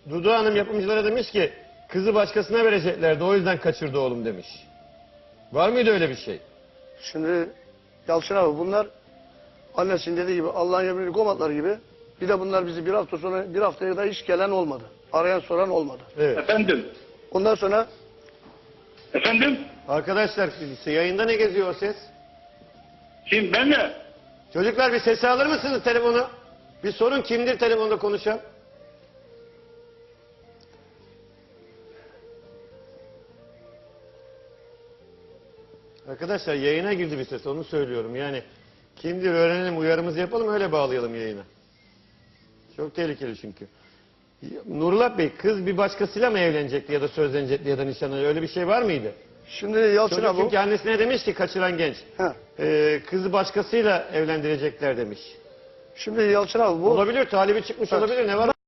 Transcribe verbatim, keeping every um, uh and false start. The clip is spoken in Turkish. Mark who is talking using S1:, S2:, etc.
S1: Dudu Hanım yapımcılara demiş ki kızı başkasına vereceklerdi, o yüzden kaçırdı oğlum demiş. Var mıydı öyle bir şey?
S2: Şimdi Yalçın abi bunlar annesinin dediği gibi Allah'ın emrini komatlar gibi. Bir de bunlar bizi bir hafta sonra bir haftaya da hiç gelen olmadı. Arayan soran olmadı.
S1: Evet.
S3: Efendim?
S2: Ondan sonra
S3: Efendim?
S1: Arkadaşlar yayında ne geziyor o ses?
S3: Kim, ben mi?
S1: Çocuklar bir sesi alır mısınız telefonu? Bir sorun kimdir telefonda konuşan? Arkadaşlar yayına girdi bir ses, onu söylüyorum. Yani kimdir öğrenelim, uyarımızı yapalım, öyle bağlayalım yayına. Çok tehlikeli çünkü. Nurullah Bey, kız bir başkasıyla mı evlenecekti ya da sözlenecekti ya da nişanlanacakti, öyle bir şey var mıydı?
S2: şimdi Yalçın
S1: Çocuk
S2: abi
S1: çünkü annesine demiş ki kaçıran genç.
S2: He.
S1: Ee, kızı başkasıyla evlendirecekler demiş.
S2: şimdi Yalçın abi bu
S1: Olabilir, talibi çıkmış
S2: Evet.
S1: olabilir, ne var?